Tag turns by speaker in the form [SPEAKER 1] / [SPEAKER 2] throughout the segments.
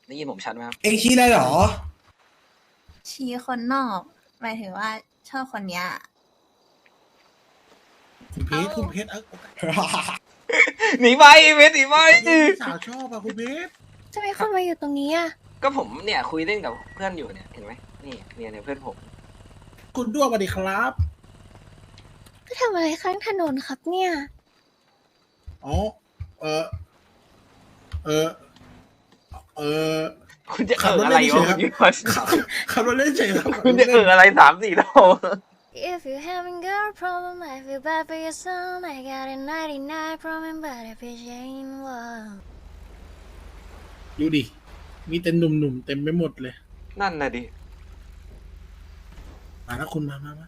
[SPEAKER 1] ได้ยินผมชัดไหมครับ
[SPEAKER 2] เองชี้อะไรหรอ
[SPEAKER 3] ชี้คนนอกหมายถึงว่าชอบคนเนี้ย
[SPEAKER 4] คุณเพชรคุณเพชร
[SPEAKER 1] หนีไปเวทหนีไป
[SPEAKER 4] สาวชอบอะคุณเพชร
[SPEAKER 5] จะมีคนมาอยู่ตรงนี้อ่ะ
[SPEAKER 1] ก็ผมเนี่ยคุยเล่นกับเพื่อนอยู่เนี่ยเห็นไหมนี่เนี่ยเพื่อนผม
[SPEAKER 4] คุณด้วงสวัสดีครับ
[SPEAKER 5] ก็ทำอะไรข้างถนนครับเนี่ย
[SPEAKER 4] อ๋อเออเออเออ
[SPEAKER 1] คุณจะ
[SPEAKER 4] ขับรถ
[SPEAKER 1] อะไร
[SPEAKER 4] เล่นเฉ
[SPEAKER 1] วะ
[SPEAKER 4] ยครับ ขับรถเล่นเฉยครับ
[SPEAKER 1] คุณจะอะไร3-4รอบ
[SPEAKER 5] If you having girl problem I feel bad for your son I got a 99 problem but if it ain't one
[SPEAKER 4] ดูดิมีแต่หนุ่มๆเต็มไปหมดเลย
[SPEAKER 1] นั่นน่ะดิ
[SPEAKER 4] มาแล้วคุณมา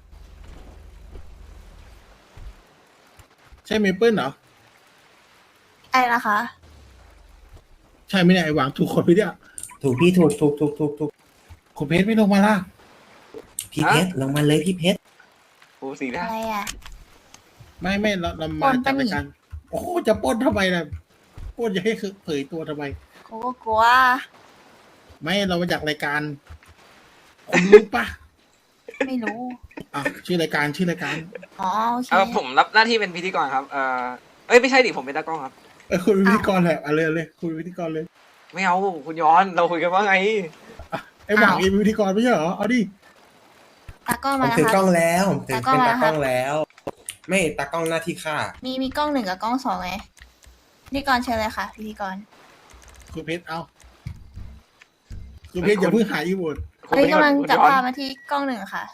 [SPEAKER 4] ใช่เมเปิลเหรอ
[SPEAKER 3] ไอ้นะคะ
[SPEAKER 4] ใช่ไหมเนี่ยไอหวังถูกคนไปเนี่ย
[SPEAKER 2] ถูกพี่ถูก
[SPEAKER 4] คุณเพชรไม่ลงมาล่ะ
[SPEAKER 2] พี่เพชรลงมาเลยพี่เพชร
[SPEAKER 1] โอ้สีหน้า
[SPEAKER 3] อะไรอ่ะ
[SPEAKER 4] ไม่เรา
[SPEAKER 3] ป
[SPEAKER 4] มา
[SPEAKER 3] ล้น
[SPEAKER 4] จาก
[SPEAKER 3] ปะนี่
[SPEAKER 4] รายการโอ้โหจะปล้นทำไมล่ะปล้นจะให้เผยตัวทำไม
[SPEAKER 3] กูก็กลัว
[SPEAKER 4] ไม่เรามาจากรายการคุณรู้ปะ
[SPEAKER 3] ไม่รู้
[SPEAKER 4] อ่ะชื่อรายการ
[SPEAKER 3] อ๋อโอเค
[SPEAKER 1] ผมรับหน้าที่เป็นพิธีกรครับเอ้ยไม่ใช่ดิผมเป็นตากล้องครับ
[SPEAKER 4] คุณเป็นพิธีกรแหละเอาเลยคุณเป็นพิธีกรเลย
[SPEAKER 1] ไม่เอาคุณย้อนเราคุยกันว่าไง
[SPEAKER 4] ไอหวังเองเป็นพิธีกรไม่ใช่เหรอเอาดิ
[SPEAKER 3] ตากล้อง
[SPEAKER 2] ผม
[SPEAKER 3] มาแล้ว
[SPEAKER 2] ถือ
[SPEAKER 3] ค
[SPEAKER 2] กล้
[SPEAKER 3] รั
[SPEAKER 2] อบ งแล้วผมถือเป็น
[SPEAKER 3] ตา
[SPEAKER 2] ตาก ก
[SPEAKER 3] ล้
[SPEAKER 2] ล้
[SPEAKER 3] อ
[SPEAKER 2] อง ง
[SPEAKER 3] แล้ว
[SPEAKER 2] แล้ว ไม่ตากล้องหน้าที่ข้า
[SPEAKER 3] มีกล้อง1กับกล้อง2ไงพิธีกรเชิญเลยค่ะพิธีกร
[SPEAKER 4] คุณเพชรเอาคุณเพชรอย่าเพิ่งหายอีโวด
[SPEAKER 3] เฮ้ยกำลังจับ
[SPEAKER 1] คุณย้อน
[SPEAKER 3] ภาพมาที่กล้อง1ค่ะ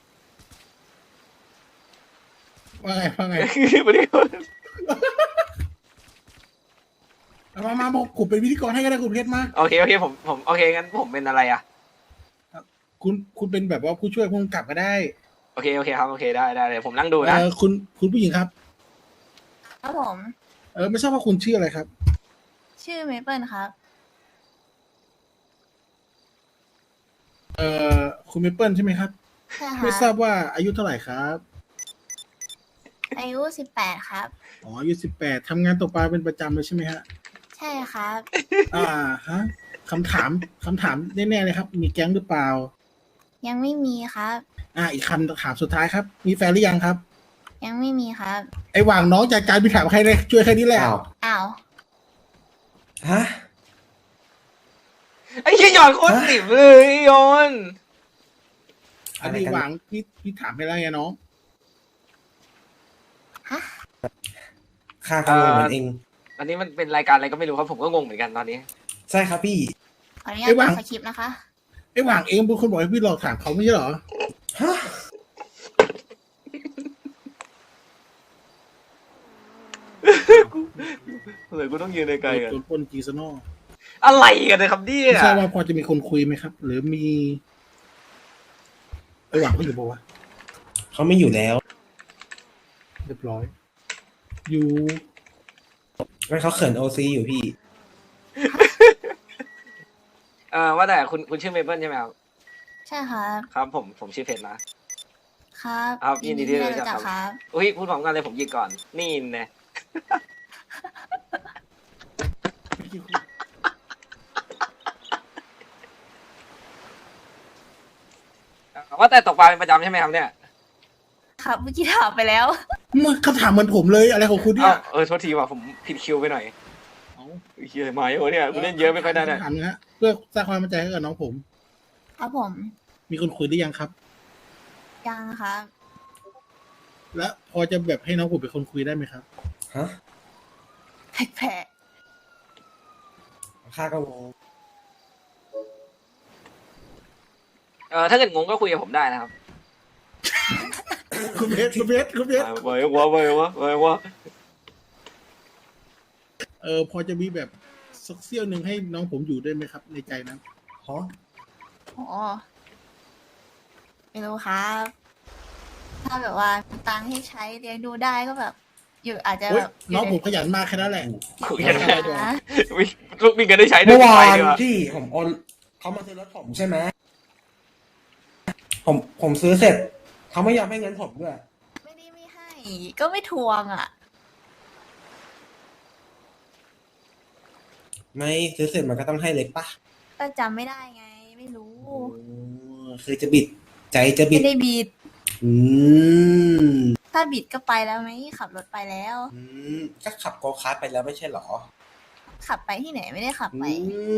[SPEAKER 4] ว่าไง
[SPEAKER 1] พิธีกร
[SPEAKER 4] มาบอกผมเป็นพิธีกรให้ก็ได้คุณเพชรมา
[SPEAKER 1] โอเคผมโอเคงั้นผมเป็นอะไรอ่ะ
[SPEAKER 4] คุณเป็นแบบว่าผู้ช่วยผู้กำกับก็ได้
[SPEAKER 1] โอเคครับโอเคได้เลยผมนั่งดูนะ
[SPEAKER 4] คุณผู้หญิงครับ
[SPEAKER 3] ครับผม
[SPEAKER 4] ไม่ทราบว่าคุณชื่ออะไรครับ
[SPEAKER 3] ชื่อเมเปิลครับ
[SPEAKER 4] คุณเมเปิลใช่ไหมครับ
[SPEAKER 3] ใช่
[SPEAKER 4] ไม่
[SPEAKER 3] ค่ะ
[SPEAKER 4] ทราบว่าอายุเท่าไหร่ครับ
[SPEAKER 3] อายุ18ครับ
[SPEAKER 4] อ๋ออายุ18ทำงานตกปลาเป็นประจำเลยใช่ไหมฮะ
[SPEAKER 3] ใช่ครับ
[SPEAKER 4] ฮะคำถามแน่ๆเลยครับ มีแก๊งหรือเปล่า
[SPEAKER 3] ยังไม่มีครับ
[SPEAKER 4] อีกคำถามสุดท้ายครับ มีแฟนหรือยังครับ
[SPEAKER 3] ยังไม่มีครับ
[SPEAKER 4] ไอหว่างน้องจากการไปถามใครเลยช่วยแค่นี้แหละ
[SPEAKER 2] อ้าว
[SPEAKER 3] อ้าว
[SPEAKER 2] ฮะ
[SPEAKER 1] ไอ้เหี้ยย้อนโคตรติ่มเลยย้อน
[SPEAKER 4] อันนี้หว่างพี่ถามไปแล้วไงน้อง
[SPEAKER 2] ข้าก็งงเหมือนเอง
[SPEAKER 1] อันนี้มันเป็นรายการอะไรก็ไม่รู้ครับผมก็งงเหมือนกันตอนนี้
[SPEAKER 2] ใช่ครับพี่
[SPEAKER 3] ขออนุญา
[SPEAKER 4] ไอ้
[SPEAKER 3] ต
[SPEAKER 4] วาง
[SPEAKER 3] สคริปต์นะคะ
[SPEAKER 4] ไอหว่างเองเป็นคนบอกให้พี่หลอกถามเขาไม่ใช่เหรอ
[SPEAKER 2] ฮะ
[SPEAKER 1] เลยกูต้องยืนไกลๆกัน
[SPEAKER 4] โดนปนจีซานอล
[SPEAKER 1] อะไรกันนะครับเนี่ย
[SPEAKER 4] ไม่ทราบว่าพอจะมีคนคุยไหมครับ หรือมีไอหว่างเขาอยู่ปะวะ
[SPEAKER 2] เขาไม่อยู่แล้ว
[SPEAKER 4] เรียบร้อย อยู่
[SPEAKER 2] ไม่เขาเขินโอซีอยู่พี่
[SPEAKER 1] ว่าแต่คุณชื่อเมเปิลใช่ไหมครับ
[SPEAKER 3] ใช่ครับ
[SPEAKER 1] ครับผมชื่อเพชรนะครับ ครับยินดีที่ได้รู้จักครับ
[SPEAKER 3] ครับ
[SPEAKER 1] อุ้ยพูดพร้อมกันเลยผมหยิกก่อน นี่แน่ว่าแต่ตกปลาเป็นประจำใช่ไหมครับเนี่ย
[SPEAKER 3] ครับเมื่อกี้ถามไปแล้ว
[SPEAKER 4] มันคำถามเหมือนผมเลยอะไรของคุณเนี่ย
[SPEAKER 1] โทษทีว่ะผมผิดคิวไปหน่อย
[SPEAKER 4] เอา
[SPEAKER 1] เฮียมาเยอะเนี่ยกูเล่นเยอะไม่ค่อยได้เนี่ย
[SPEAKER 4] ถามนะฮะเพื่อสร้างความมั่นใจให้กับน้องผม
[SPEAKER 3] ครับผม
[SPEAKER 4] มีคนคุยหรือยังครับ
[SPEAKER 3] ยังครับ
[SPEAKER 4] และพอจะแบบให้น้องผมเป็นคนคุยได้ไหมครับ
[SPEAKER 2] ฮะ
[SPEAKER 3] แผลก
[SPEAKER 2] ข้าก็งง
[SPEAKER 1] ถ้าเกิดงงก็คุยกับผมได้นะครับ
[SPEAKER 4] คุณเพชร
[SPEAKER 1] เว้ยวะ
[SPEAKER 4] พอจะมีแบบสักเสี้ยวหนึ่งให้น้องผมอยู่ได้ไหมครับ ในใจนั้น
[SPEAKER 2] ฮะ
[SPEAKER 3] ๆโอ้ไม่รู้ครับ ถ้าแบบว่ามีตังค์ให้ใช้เลี้ยงดูได้ก็แบบ อยู่อาจจะ
[SPEAKER 4] โอ๊
[SPEAKER 3] แบ
[SPEAKER 4] ย
[SPEAKER 3] บ
[SPEAKER 4] น้องผมขยันมากแค่นั้นแหละ
[SPEAKER 1] คุยกันได้
[SPEAKER 3] นะ
[SPEAKER 1] ลูกมีกันได้ใช้ด้ว
[SPEAKER 2] เมื่
[SPEAKER 1] ย
[SPEAKER 2] อวาน
[SPEAKER 1] ไปดีกว่า
[SPEAKER 2] ที่ผมโอนเขามาซื้อรถผมใช่ไหมผมซื้อเสร็จ เขาไม่ยอมให้เงินผมด้วย
[SPEAKER 3] ไม่ได้ไม่ให้ ก็ไม่ทวงอ่ะ
[SPEAKER 2] ไม่ซื้อเสร็จมันก็ต้องให้เล็กปะ
[SPEAKER 3] ก็จำไม่ได้ไง ไม่รู้
[SPEAKER 2] โอ้คือจะบิด ใจจะบิ
[SPEAKER 3] ไม่
[SPEAKER 2] ด
[SPEAKER 3] ได้บิด
[SPEAKER 2] อืม
[SPEAKER 3] ถ้าบิดก็ไปแล้วไหมขับรถไปแล้ว
[SPEAKER 2] ก็ขับโกคาร์ทไปแล้วไม่ใช่เหรอ
[SPEAKER 3] ขับไปที่ไหนไม่ได้ขับ
[SPEAKER 2] อื
[SPEAKER 3] ไป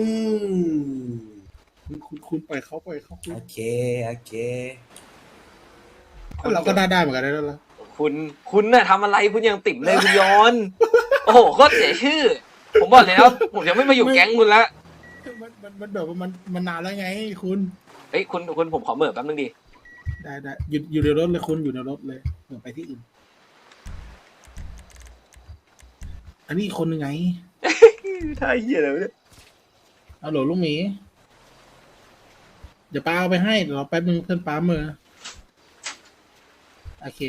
[SPEAKER 2] ม
[SPEAKER 4] คุณปล่อยเขาคุณ
[SPEAKER 2] โอเค โอเค
[SPEAKER 4] เราก็ได้เหมือนกันได้แล้วล่ะ
[SPEAKER 1] คุณน่ะทำอะไรคุณยังติ่มเลยคุณย้อน โอ้โหโคตรเสียชื่อ ผมบอกเลยนะผมยังไม่มาอยู่แก๊งคุณละ
[SPEAKER 4] มันแบบว่ามันนานแล้วไงคุณ
[SPEAKER 1] เฮ้ยคุณผมขอเหม่อแป๊บนึงดิ
[SPEAKER 4] ได้อยู่ในรถเลยคุณอยู่ในรถเลยเหมือนไปที่อื่น อันนี้อีกคนยังไง
[SPEAKER 1] ท่าเหี้ยอะไรวะเนี่ย
[SPEAKER 4] เอาโหลลูกหมีเดี๋ยวป้าเอาไปให้เดี๋ยวรอแป๊บนึงเพื่อนป้าเมื่อโอเค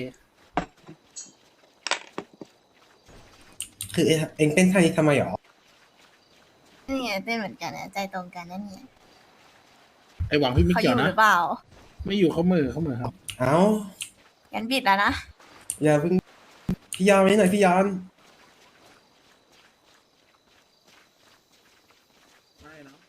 [SPEAKER 2] คือเองเป็นท่านี้ทำไมหรอ
[SPEAKER 3] นี่ไงเต้นเหมือนกันนะใจตรงกันนั่นเนี่ย
[SPEAKER 4] ไอหวังพี่ไม่
[SPEAKER 3] เขาอ
[SPEAKER 4] เกี่ยว
[SPEAKER 3] ยู่
[SPEAKER 4] นะ
[SPEAKER 3] หรือเปล่า
[SPEAKER 4] ไม่อยู่เขาเหมือครับ
[SPEAKER 2] เอ้า
[SPEAKER 3] งั้นบิดแล้วนะ
[SPEAKER 2] อย่าเพิ่ง พี่ยอนไว้หน่อยพี่ยอน
[SPEAKER 4] ไม่เนาะ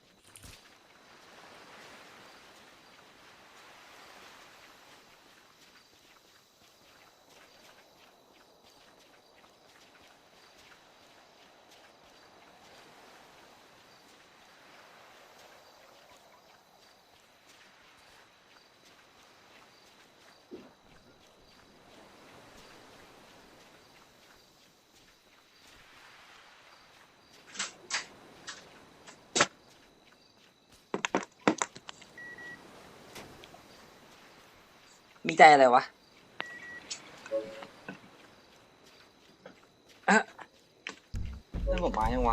[SPEAKER 1] มีใจอะไรวะเรื่องผมมายังวะ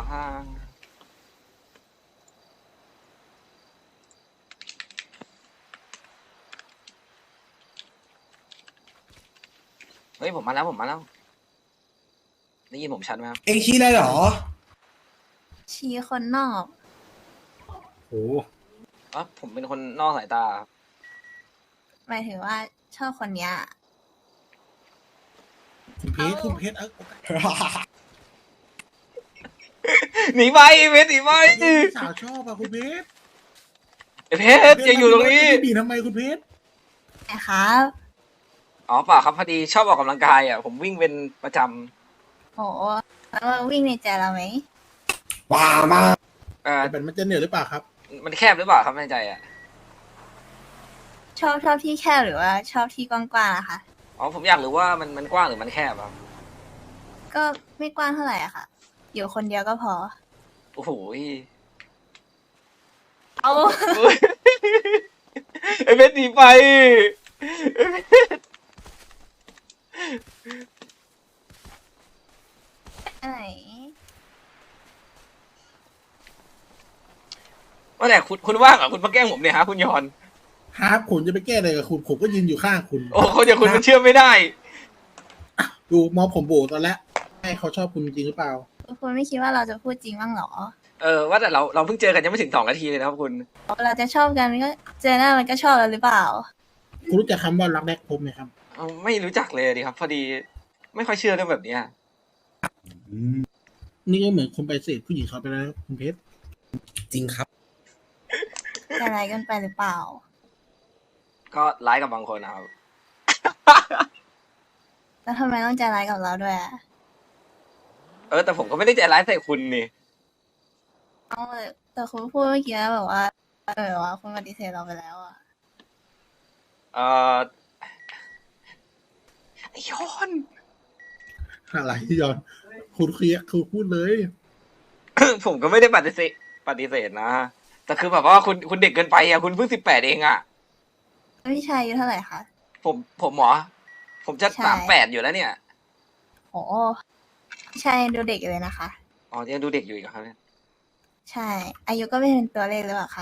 [SPEAKER 1] เฮ้ยผมมาแล้วได้ยินผมชัดไหมครับ
[SPEAKER 2] เองชี้ได้เหรอ
[SPEAKER 3] ชี้คนนอก
[SPEAKER 4] โอ้
[SPEAKER 1] อ๋อผมเป็นคนนอกสายตาครับ
[SPEAKER 3] หมายถึงว่าชอบคนเนี้ย
[SPEAKER 4] คุณเพชรเอา
[SPEAKER 1] หนีไปเพชรหนีไป
[SPEAKER 4] พี่สาวชอบอะคุณเพชร
[SPEAKER 1] เพชรอย่าอยู่ตรงนี้
[SPEAKER 4] พี่บีทำไมคุณเพชร
[SPEAKER 3] นะครับ
[SPEAKER 1] อ๋อเปล่าครับพอดีชอบออกกำลังกายอ่ะผมวิ่งเป็นประจ
[SPEAKER 3] โหแล้ววิ่งในใจเราไหม
[SPEAKER 2] ว้ามา
[SPEAKER 1] ำ
[SPEAKER 4] แต่มันจะเหนื่อยหรือเปล่าครับ
[SPEAKER 1] มันแคบหรือเปล่าครับในใจอ่ะ
[SPEAKER 3] ชอบที่แคบหรือว่าชอบที่กว้างๆอะคะ
[SPEAKER 1] อ๋อผมอยากรู้ว่ามันกว้างหรือมันแคบครับ
[SPEAKER 3] ก็ไม่กว้างเท่าไหร่อะค่ะ อยู่คนเดียวก็พอ
[SPEAKER 1] โอ้โห
[SPEAKER 3] เอา
[SPEAKER 1] ไอ้เพชรหนีไป
[SPEAKER 3] อะไร
[SPEAKER 1] ว่าแต่คุณว่างเหรอคุณมาแกล้งผมเนี่ยฮะคุณยอน
[SPEAKER 4] ฮาร์ปผมจะไปแก้อะไรกับคุณผมก็ยืนอยู่ข้างคุณ
[SPEAKER 1] โอ้คนอย่างคุณมันเชื่อไม่ได้
[SPEAKER 4] ดูมองผมโบตอนแรกให้เขาชอบคุณจริงหรือเปล่า
[SPEAKER 3] คุณไม่คิดว่าเราจะพูดจริงบ้างเหรอ
[SPEAKER 1] ว่าแต่เราเพิ่งเจอกันยังไม่ถึง2 นาทีเลยนะครับคุณ
[SPEAKER 3] เราจะชอบกันก็เจอหน้ามันก็ชอบแล้วหรือเปล่า
[SPEAKER 4] คุณรู้จักคำว่ารักแรกพบไหมครับ
[SPEAKER 1] ไม่รู้จักเลยดิครับ พอดีไม่ค่อยเชื่อเรื่องแบบเนี้ย
[SPEAKER 4] นี่ก็เหมือนคนไปเสพผู้หญิงเขาไปแล้วคุณเพชร
[SPEAKER 2] จริงครับ
[SPEAKER 3] จะอะไรกันไปหรือเปล่า
[SPEAKER 1] ก็ร้ายกับบางคนนะครับ
[SPEAKER 3] แล้วทำไมต้องใจร้ายกับเราด้วยอะ
[SPEAKER 1] แต่ผมก็ไม่ได้ใจร้ายใส่คุณนี่
[SPEAKER 3] เอาแต่คุณพูดเมื่อกี้แบบว่าว่าคุณปฏิเสธเราไปแล้วอะ
[SPEAKER 1] ไอ้ยอน
[SPEAKER 4] อะไรที่ยอนคุณเคลียร์คุณพูดเลย
[SPEAKER 1] ผมก็ไม่ได้ปฏิเสธนะ แต่คือแบบว่าคุณเด็กเกินไปอ่ะคุณเพิ่ง18เองอ่ะ
[SPEAKER 3] พี่ชายอายุเท่าไหร่คะ
[SPEAKER 1] ผมหมอ ผมจะ
[SPEAKER 3] ใช่
[SPEAKER 1] 38อยู่แล้วเนี่ย
[SPEAKER 3] โหพี่ชายดูเด็กอยู่เลยนะคะ
[SPEAKER 1] อ๋อยังดูเด็กอยู่อีกเหรอครับเนี่ย
[SPEAKER 3] ใช่ อายุก็ไม่เป็นตัวเลขหรือเปล่าคะ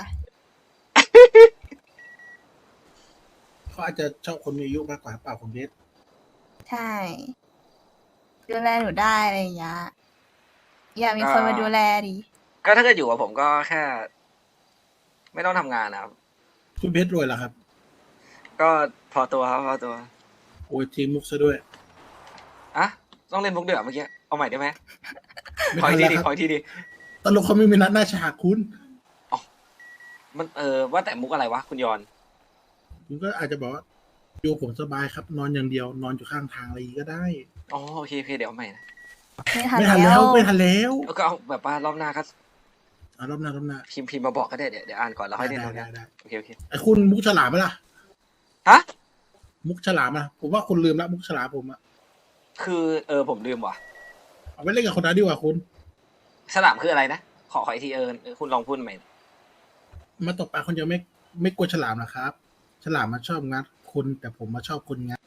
[SPEAKER 4] เขาอาจจะชอบคนมีอายุมากกว่าเปล่าคุณเพชร
[SPEAKER 3] ใช่ ดูแลหนูได้อะไรอย่างเงี้ยอยากมีคนมาดูแลดิ
[SPEAKER 1] ก็ถ้าเกิดอยู่กับผมก็แค่ ไม่ต้องทำงานนะครับ
[SPEAKER 4] คุณเพชรรวยเหรอครับ
[SPEAKER 1] ก็พอตัวครับพอตัว
[SPEAKER 4] โอ้ยทีมมุกซะด้วย
[SPEAKER 1] อ่ะต้องเล่นมุกเดือดเมื่อกี้เอาใหม่ได้ไหม
[SPEAKER 4] ไม่
[SPEAKER 1] ขอ
[SPEAKER 4] ทั
[SPEAKER 1] อี
[SPEAKER 4] น
[SPEAKER 1] กที
[SPEAKER 4] แล้ว
[SPEAKER 1] ดิ
[SPEAKER 4] ครับ
[SPEAKER 1] ขออีกทีดิ
[SPEAKER 4] ตลกเขาไม่มีนัดหน้าฉากคุณ
[SPEAKER 1] มันว่าแต่มุกอะไรวะคุณยอน
[SPEAKER 4] คุณก็อาจจะบอกว่าอยู่ผมสบายครับ นอนอย่างเดียวนอนอยู่ข้างทางอะไรอย่างงี้ก็ได้
[SPEAKER 1] อ๋อโอเคเดี๋ยวเอาใหม่นะ
[SPEAKER 3] ไม่ทัน
[SPEAKER 4] ไม่ทัน
[SPEAKER 3] แล้
[SPEAKER 4] แล้ว
[SPEAKER 3] ว
[SPEAKER 4] ไม่ทันแล้ว
[SPEAKER 1] แล้วก็เอาแบบว่ารอบหน้าก็
[SPEAKER 4] รอบหน้ารอบหน้า
[SPEAKER 1] พิมพ์มาบอกก็ได้เดี๋ยวอ่านก่อนแล้วค่อยเล่น
[SPEAKER 4] ได้
[SPEAKER 1] ดูนะ
[SPEAKER 4] ได้
[SPEAKER 1] โอเค
[SPEAKER 4] ไอ้คุณมุกฉลามไหมล่ะ
[SPEAKER 1] ฮะ
[SPEAKER 4] มุกฉลามอะผมว่าคุณลืมละมุกฉลามผมอะ
[SPEAKER 1] คือผมลืมว่ะ
[SPEAKER 4] เอาไว้เล่นกับคนนั้นดีกว่าคุณ
[SPEAKER 1] ฉลามคืออะไรนะขออีกทีคุณลองพูดใหม่
[SPEAKER 4] มาตกปลาคนเดียวไม่กลัวฉลามนะครับ ฉลามมาชอบงัดคนแต่ผมมาชอบคนงัด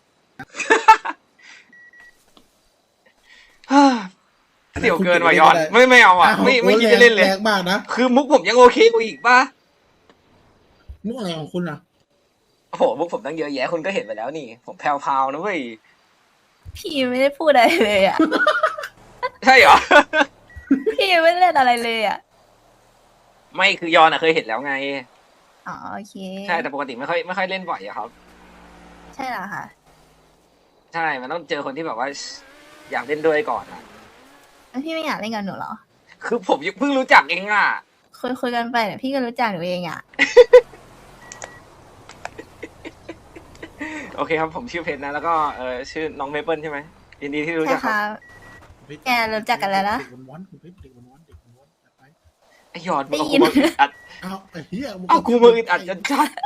[SPEAKER 1] เสี่ยวเกินว่ะยอนไม่เอาอ่ะไม่คิดจะเล่นเลย
[SPEAKER 4] แรงมากนะ
[SPEAKER 1] คือมุกผมยังโอเคกว่าอีกป่ะ
[SPEAKER 4] มุกอะไรของคุณอะ
[SPEAKER 1] โอ้โหมุกผมตั้งเยอะแยะคุณก็เห็นไปแล้วนี่ ผมแพรวๆนะเว้ย
[SPEAKER 3] พี่ไม่ได้พูดอะไรเลยอ่ะ
[SPEAKER 1] ใช่เหรอ
[SPEAKER 3] พี่ไม่ได้เล่นอะไรเลยอ่ะ
[SPEAKER 1] ไม่คือยอนเคยเห็นแล้วไง
[SPEAKER 3] อ๋อโอเค
[SPEAKER 1] ใช่แต่ปกติไม่ค่อยเล่นบ่อยอะครับ
[SPEAKER 3] ใช่เหรอคะ
[SPEAKER 1] ใช่มันต้องเจอคนที่แบบว่า อยากเล่นด้วยก่อนอะ
[SPEAKER 3] แล้วพี่ไม่อยากเล่นกับหนูเหรอ
[SPEAKER 1] คือผมเพิ่งรู้จักเองอ่ะ
[SPEAKER 3] คุยกันไปเดี๋ยวพี่ก็รู้จักหนูเองอ่ะ
[SPEAKER 1] โอเคครับผมชื่อเพชรนะแล้วก็ชื่อน้องเมเปิลใช่ไหมยินดีที่รู้
[SPEAKER 3] ใช่
[SPEAKER 1] จักค
[SPEAKER 3] ค่ะ
[SPEAKER 1] รับ
[SPEAKER 3] แกรู้จักกันแล้วนะ
[SPEAKER 4] เด็กวันๆคุณเพชรเด็กวันๆเด็กวันๆจัดไป
[SPEAKER 1] ไอยอดมึงเอา
[SPEAKER 3] ได้ยิ
[SPEAKER 1] กู
[SPEAKER 3] น
[SPEAKER 1] มาอึดอัด
[SPEAKER 4] เอาไอ้เหี้ย
[SPEAKER 1] เอากูมาอึดอัดจนชัด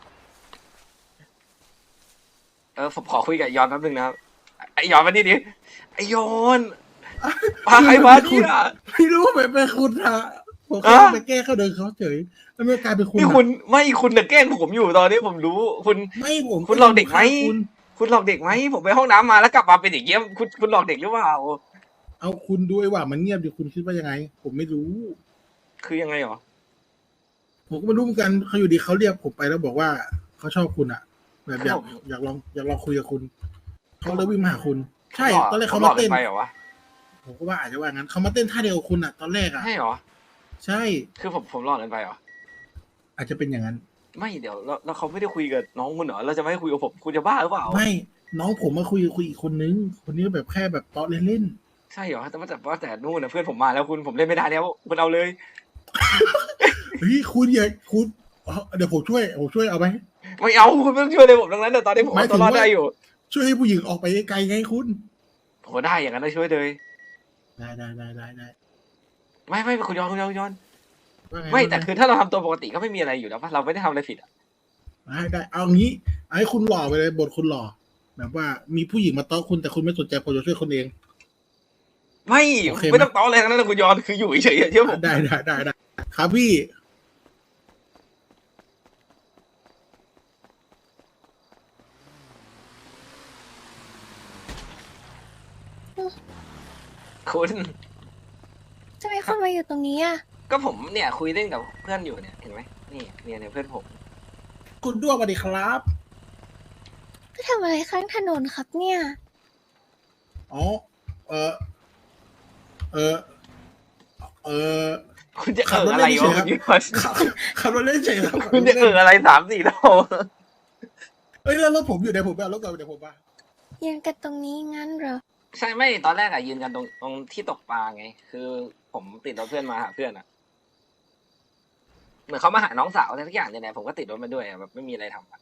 [SPEAKER 1] ผมขอคุยกับยอนแป๊บนึงนะครับไอยอนมานี่ดิไอยอนพาใครมาเนี่ย
[SPEAKER 4] ไม่รู้ว่าเป็นคุณอะผมแค่
[SPEAKER 1] อะ
[SPEAKER 4] ไปแก้เขาเดินเขาเฉยแล้วไม่กลายเป็นคุณ
[SPEAKER 1] นี่
[SPEAKER 4] อะ
[SPEAKER 1] คุณไม่คุณน่ะแกล้งผมอยู่ตอนนี้ผมรู้คุณ
[SPEAKER 4] ไม่ผม
[SPEAKER 1] คุณหลอกเด็กไหม
[SPEAKER 4] คุณ
[SPEAKER 1] คุณหลอกเด็กไหมผมไปห้องน้ำมาแล้วกลับมาเป็นอย่างเงี้ยคุณหลอกเด็กหรือเปล่า
[SPEAKER 4] เอาคุณด้วยว่ามันเงียบดิคุณคิดว่ายังไง ผมไม่รู้
[SPEAKER 1] คือยังไงหรอ
[SPEAKER 4] ผมก็ไม่รู้เหมือนกันเขาอยู่ดีเขาเรียกผมไปแล้วบอกว่าเขาชอบคุณอะแบบอยาก
[SPEAKER 1] ผม
[SPEAKER 4] อยากลองคุยกับคุณเขาเลยวิ่งมาหาคุณ ใช่
[SPEAKER 1] หลก
[SPEAKER 4] ตอนแรกเขา
[SPEAKER 1] หล
[SPEAKER 4] มา
[SPEAKER 1] อก
[SPEAKER 4] เต้น
[SPEAKER 1] ไปเหรอวะ
[SPEAKER 4] ผมก็ว่าอาจจะว่างั้นเขามาเต้นท่าเดียวกับคุณอะตอนแรกอะ
[SPEAKER 1] ใช่เหรอ
[SPEAKER 4] ใช่
[SPEAKER 1] คือผมหลอกกันไปเหรอ
[SPEAKER 4] อาจจะเป็นอย่างนั้น
[SPEAKER 1] ไม่เดี๋ยวแล้วเขาไม่ได้คุยกับน้องคุณเหรอเราจะไม่ให้คุยกับผมคุณจะบ้าหรือเปล่า
[SPEAKER 4] ไม่น้องผมมาคุยอีกคนนึง คนนี้แบบแค่แบบเตาะเล่น
[SPEAKER 1] ใช่เหรอแต่นู่นนะเพื่อนผมมาแล้วผมเล่นไม่ได้แล้วคุณเอาเลย
[SPEAKER 4] ๆเฮ้ยคุณอย่าคุณเดี๋ยวผมช่วยเอาไหม
[SPEAKER 1] ไม่เอาคุณไม่ต้องช่วยเลยผมดังนั้นแต่ตอนนี้ผม
[SPEAKER 4] หมาย
[SPEAKER 1] เอา
[SPEAKER 4] ถึ
[SPEAKER 1] ตัว
[SPEAKER 4] ง
[SPEAKER 1] รอด
[SPEAKER 4] ว่า
[SPEAKER 1] ได้อยู่
[SPEAKER 4] ช่วยให้ผู้หญิงออกไปไกลไงคุณ
[SPEAKER 1] ผมก็ได้อย่างนั้นได้ช่วยเลย
[SPEAKER 4] ได้
[SPEAKER 1] ไม่คุณย้อน
[SPEAKER 4] ว่าไง
[SPEAKER 1] ไม่แต่คือถ้าเราทำตัวปกติก็ไม่มีอะไรอยู่แล้วป่ะเราไม่ได้ทำอะไรผิดอ่ะ
[SPEAKER 4] ได้เอางี้เอาให้คุณหล่อไปเลยบทคุณหล่อแบบว่ามีผู้หญิงมาเตาะคุณแต่คุณไม่สนใจผมจะช่วยคนเอง
[SPEAKER 1] ไม่
[SPEAKER 4] โอเคไหม
[SPEAKER 1] ไม่ต้องต้ออะไรทั้งนั้นนะคุณย้อนคืออยู่เฉยๆเชื่อผม
[SPEAKER 4] ได้ครับพี่
[SPEAKER 1] คุณ
[SPEAKER 5] จะมีคนมาอยู่ตรงนี้อ่ะ
[SPEAKER 1] ก็ผมเนี่ยคุยเล่นกับเพื่อนอยู่เนี่ยเห็นไหมนี่เนี่ยเพื่อนผม
[SPEAKER 4] คุณด้วงสวัสดีครับ
[SPEAKER 5] ก็ทำอะไรข้างถนนครับเนี่ย
[SPEAKER 4] อ๋อเออเออเออ
[SPEAKER 1] คุณจะ
[SPEAKER 4] ขับรถ
[SPEAKER 1] อะไร
[SPEAKER 4] เล่น
[SPEAKER 1] วะ
[SPEAKER 4] เฉยครับ
[SPEAKER 1] คุณย้อน
[SPEAKER 4] ขับรถเล่นเฉยครับ
[SPEAKER 1] คุณจะอะไร3-4รอบ
[SPEAKER 4] เอ้ยแล้วรถผมอยู่ไหนผมไปเอารถก่อนเดี๋ยวผมมา
[SPEAKER 5] ยืนกันตรงนี้งั้นเหรอ
[SPEAKER 1] ใช่ไม่ตอนแรกอะยืนกันตรงที่ตกปลาไง คือผมติดรถเพื่อนมาหาเพื่อนอะเหมือนเขามาหาน้องสาวอะไรสักอย่างเนี่ยแหละผมก็ติดรถมาด้วยอะแบบไม่มีอะไรทำอะ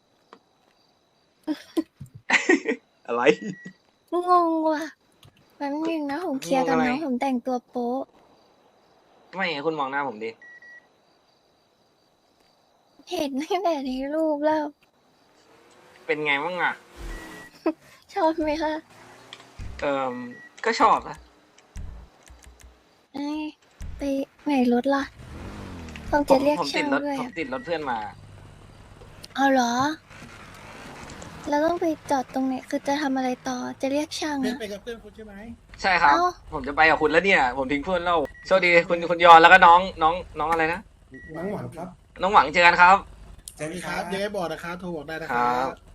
[SPEAKER 1] อะไร
[SPEAKER 5] งงว่ะแป๊บนึงนะผมเคลียร์กับ
[SPEAKER 1] งงอะไร
[SPEAKER 5] น้องผมแต่งตัวโป๊ะ
[SPEAKER 1] ไม่คุณมองหน้าผมดิ
[SPEAKER 5] เห็นตั้งแต่ในรูปแล้ว
[SPEAKER 1] เป็นไงบ้างอะ
[SPEAKER 5] ชอบไหมคะ
[SPEAKER 1] ก็ชอบนะ
[SPEAKER 5] เอ้ยไปไหนรถล่ะผมจะเรียก
[SPEAKER 1] ผม
[SPEAKER 5] ช่าง
[SPEAKER 1] ติดรถ
[SPEAKER 5] ด้วย
[SPEAKER 1] ผม
[SPEAKER 5] อะ
[SPEAKER 1] ติดรถเพื่อนมา
[SPEAKER 5] เอาเหรอ แล้วต้องไปจอดตรงไหนคือจะทำอะไรต่อจะเรียกช่าง
[SPEAKER 4] เพื่อน
[SPEAKER 5] อะ
[SPEAKER 4] ไปกับเพื่อนคุณใช่ไหม
[SPEAKER 1] ใช่ครับ
[SPEAKER 5] เอ้า
[SPEAKER 1] ผมจะไปกับคุณแล้วเนี่ย ผมทิ้งเพื่อนแล้วโชคดีคุณยอนแล้วก็น้องอะไรนะ
[SPEAKER 2] น้องหวังครับ
[SPEAKER 1] น้องหวังเจอกันครับ
[SPEAKER 2] เจอ
[SPEAKER 4] สวัส
[SPEAKER 2] กั
[SPEAKER 4] ดี
[SPEAKER 2] น
[SPEAKER 4] ค
[SPEAKER 2] ค
[SPEAKER 4] รั
[SPEAKER 2] รั
[SPEAKER 4] บบ ยังไงบอกนะครับโทรบอกได้นะค
[SPEAKER 1] ครั
[SPEAKER 4] รับ บ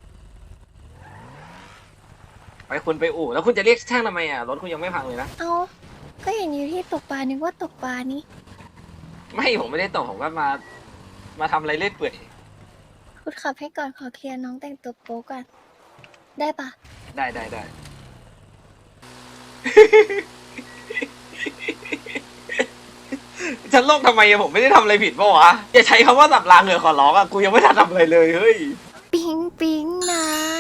[SPEAKER 1] ไปคุณไปอู่แล้วคุณจะเรียกช่างทำไมอะรถคุณยังไม่พังเลยนะ
[SPEAKER 5] เอาก็เห็นอยู่ที่ตกปลานึกว่าตกปลานี่
[SPEAKER 1] ไม่ผมไม่ได้ตกผมก็มาทำอะไรเล่อยเปื่อย
[SPEAKER 5] คุณขับให้ก่อนขอเคลียร์น้องแต่งตัวโป๊ก่อนได้ปะ
[SPEAKER 1] ได้ฉันโลกทำไมอะผมไม่ได้ทำอะไรผิดปะวะอย่าใช้คำว่าสับรางเลยขอร้องอะกูยังไม่ทันทำอะไรเลยเฮ้ย
[SPEAKER 5] ปิ๊งปิ๊งนะ